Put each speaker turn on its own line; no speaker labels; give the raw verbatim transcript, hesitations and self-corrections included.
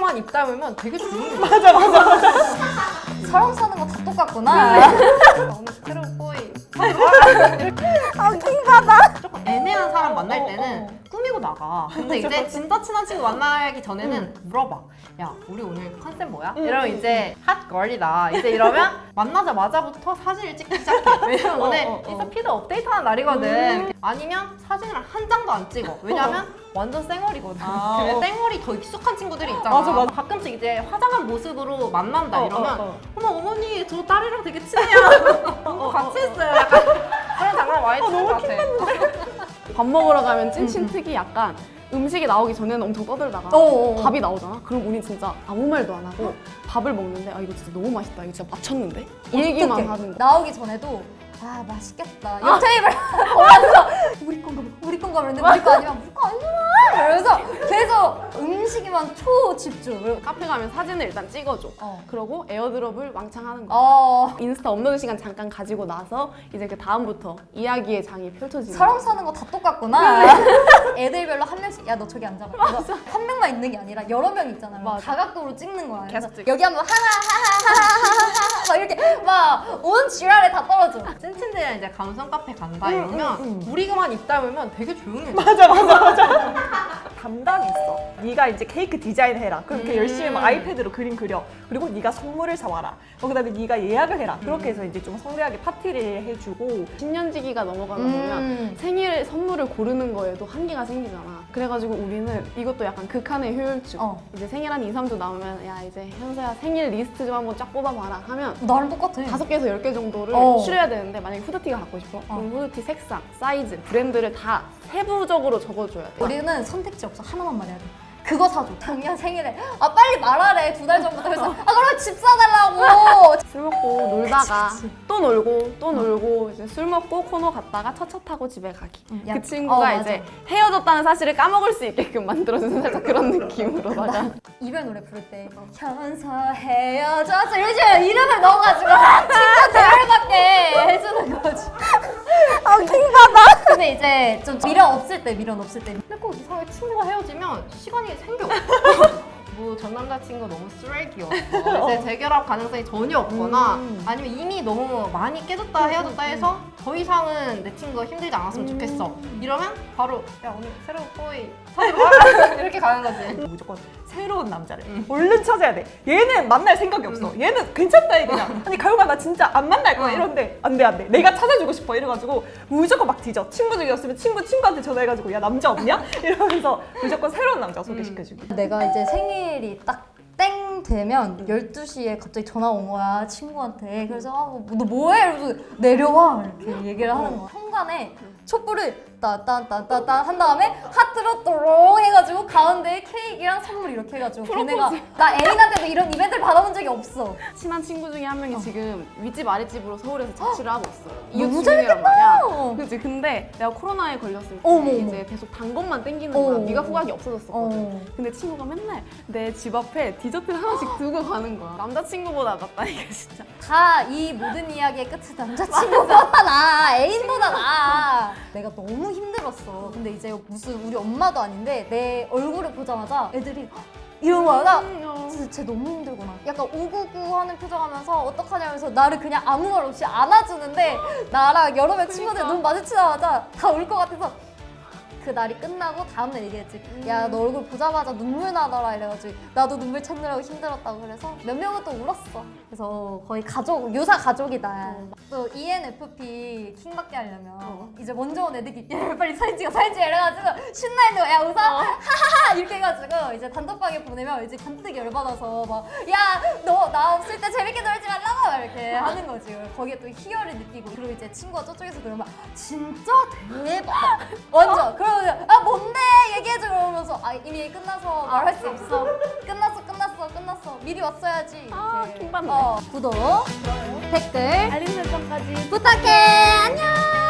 우리만 입 다물면 되게 조용해.
맞아 맞아 맞아.
사람 사는 거 다 똑같구나.
너무 스테레오보이.
아, 킹받아.
조금 애매한 사람 만날
어,
때는
어.
꾸미고 나가. 근데 이제 진짜 친한 친구 만나기 전에는 물어봐. 야, 우리 오늘 컨셉 뭐야?
음,
이러면 이제 핫걸이다. 이제 이러면 만나자마자부터 사진을 찍기 시작해. 왜냐면
어,
오늘
어, 어.
인스타 피드 업데이트하는 날이거든. 아니면 사진을 한 장도 안 찍어. 왜냐면 완전 쌩얼이거든.
아,
근데
어.
쌩얼이 더 익숙한 친구들이 있잖아.
맞아, 맞아.
가끔씩 이제 화장한 모습으로 만난다
어,
이러면
어, 어.
어머 어머니 저 딸이랑 되게 친해요. 어, 같이 했어요. 약간 그런 장난 많이 치는 것 같아.
밥 먹으러 가면 찐친 특이 약간 음식이 나오기 전에는 엄청 떠들다가
어어.
밥이 나오잖아? 그럼 우리 진짜 아무 말도 안 하고 밥을 먹는데 아 이거 진짜 너무 맛있다 이거 진짜 맞췄는데? 이 얘기만
어떡해.
하는 거야.
나오기 전에도 아 맛있겠다. 옆 테이블 보면서 우리 건가 봐. 우리 건가 그랬는데 우리 거 아니면 우리 거 아니잖아. 그래서 계속 음식에만 초집중. 그리고
카페 가면 사진을 일단 찍어줘.
어.
그러고 에어드롭을 왕창 하는 거야.
어.
인스타 업로드 시간 잠깐 가지고 나서 이제 그 다음부터 이야기의 장이 펼쳐지는
사람
거야.
사는 거 다 똑같구나. 애들별로 한 명씩 야 너 저기 앉아봐. 그래서 한 명만 있는 게 아니라 여러 명 있잖아요.
맞아.
다각도로 찍는 거야. 그래서
계속 찍어.
여기 하면 하하하하하하하 막 이렇게 막 온 지랄에 다 떨어져.
찐친들이랑 이제 감성 카페 간다 이러면 우리만 입 다물면 되게 조용해.
맞아 맞아 맞아. 담당이 있어. 네가 이제 케이크 디자인 해라. 그럼 이렇게
음.
열심히 막 아이패드로 그림 그려. 그리고 네가 선물을 사와라. 어, 그다음에 네가 예약을 해라. 그렇게 해서 이제 좀 성대하게 파티를 해주고.
신년지기가 넘어가다
음.
보면 생일 선물을 고르는 거에도 한계가 생기잖아. 그래가지고 우리는 이것도 약간 극한의 효율주.
어.
이제 생일 한 이, 삼 주 남으면 야 이제 현서야 생일 리스트 좀 한번 쫙 뽑아봐라 하면
나랑 똑같아.
다섯 개에서 열 개 정도를
어.
추려야 되는데 만약에 후드티가 갖고 싶어? 그럼 후드티 색상, 사이즈, 브랜드를 다 세부적으로 적어줘야 돼.
우리는 선택지 없어. 하나만 말해야 돼. 그거 사줘. 작년 생일에. 아 빨리 말하래. 두 달 전부터. 그래서 아 그럼 집 사달라고.
술 먹고 놀다가
그치, 그치.
또 놀고 또 놀고 이제 술 먹고 코너 갔다가 첫차 타고 집에 가기.
음, 야,
그 친구가
어, 맞아.
이제 헤어졌다는 사실을 까먹을 수 있게끔 만들어주는 살짝 그런 느낌으로다가
이별 노래 부를 때 현서 헤어졌어 이러지 이름을 넣어가지고 친구 대열받게 해주는 거지. 아 킹받아. 근데 이제 좀 미련 없을 때 미련 없을 때
근데 꼭 이상하게 친구가 헤어지면 시간이 생겨. 뭐 전 남자친구 너무 쓰레기였어. 이제 재결합 가능성이 전혀 없거나
음.
아니면 이미 너무 많이 깨졌다 헤어졌다 해서 더 이상은 내 친구가 힘들지 않았으면 좋겠어. 이러면 바로 야 오늘 새로운 보이 사지 마 이렇게 가는 거지.
무조건 새로운 남자를 얼른 찾아야 돼. 얘는 만날 생각이 없어. 얘는 괜찮다 해 그냥. 아니 가요가 나 진짜 안 만날 거야
어.
이런데 안돼 안돼. 내가 찾아주고 싶어 이래가지고 무조건 막 뒤져. 친구 중이었으면 친구 친구한테 전화해가지고 야 남자 없냐? 이러면서 무조건 새로운 남자 소개시켜주고.
내가 이제 생일이 딱 땡 되면 열두 시에 갑자기 전화 온 거야 친구한테. 그래서 아, 뭐, 너 뭐해? 이러면서 내려와 이렇게 얘기를 하는 거야. 현관에 촛불을 따딴따딴딴 한 다음에 하트로 또롱 해가지고 가운데에 케이크랑 선물 이렇게 해가지고 걔네가 나 애인한테도 이런 이벤트를 받아본 적이 없어.
친한 친구 중에 한 명이 지금 윗집 아랫집으로 서울에서 자취를 하고 있어.
너무
이웃 주민이란 말이야.
어.
그치 근데 내가 코로나에 걸렸을 때
어머,
이제 계속 단 것만 땡기는 거야.
어.
미각 후각이 없어졌었거든.
어.
근데 친구가 맨날 내 집 앞에 디저트를 하나씩 두고 가는 거야. 남자친구보다 낫다니까 진짜.
다 이 모든 이야기의 끝은 남자친구보다 나 애인보다 나. 내가 너무 힘들었어. 근데 이제 무슨 우리 엄마도 아닌데 내 얼굴을 보자마자 애들이 헉! 이런 거야. 나 진짜 쟤 너무 힘들구나. 약간 우구구 하는 표정하면서 어떡하냐면서 나를 그냥 아무 말 없이 안아주는데 나랑 여러 명 친구들 눈 마주치자마자 다 울 것 같아서 그 날이 끝나고 다음날 얘기했지. 야 너 얼굴 보자마자 눈물 나더라 이래가지고 나도 눈물 찾느라고 힘들었다고. 그래서 몇 명은 또 울었어. 그래서 거의 가족, 유사 가족이다. 또 이엔에프피 킹받게 하려면 이제 먼저 온 애들이 야 빨리 사진 찍어 사진 찍어 이래가지고 신나있는 거야. 야 웃어? 하하하 이렇게 해가지고 이제 단톡방에 보내면 이제 간뜩이 열받아서 막 야 너 나 없을 때 재밌게 놀지 말라고 막 이렇게 하는 거지. 거기에 또 희열을 느끼고 그리고 이제 친구가 저쪽에서 그러면 진짜 대박 완전 그러면 아 뭔데 얘기해줘 그러면서 아 이미 끝나서 말할 수 없어. 끝났어 끝났어 끝났어 미리 왔어야지.
아,
이렇게.
킹받네.
어, 구독 댓글
알림 설정까지
부탁해. 안녕.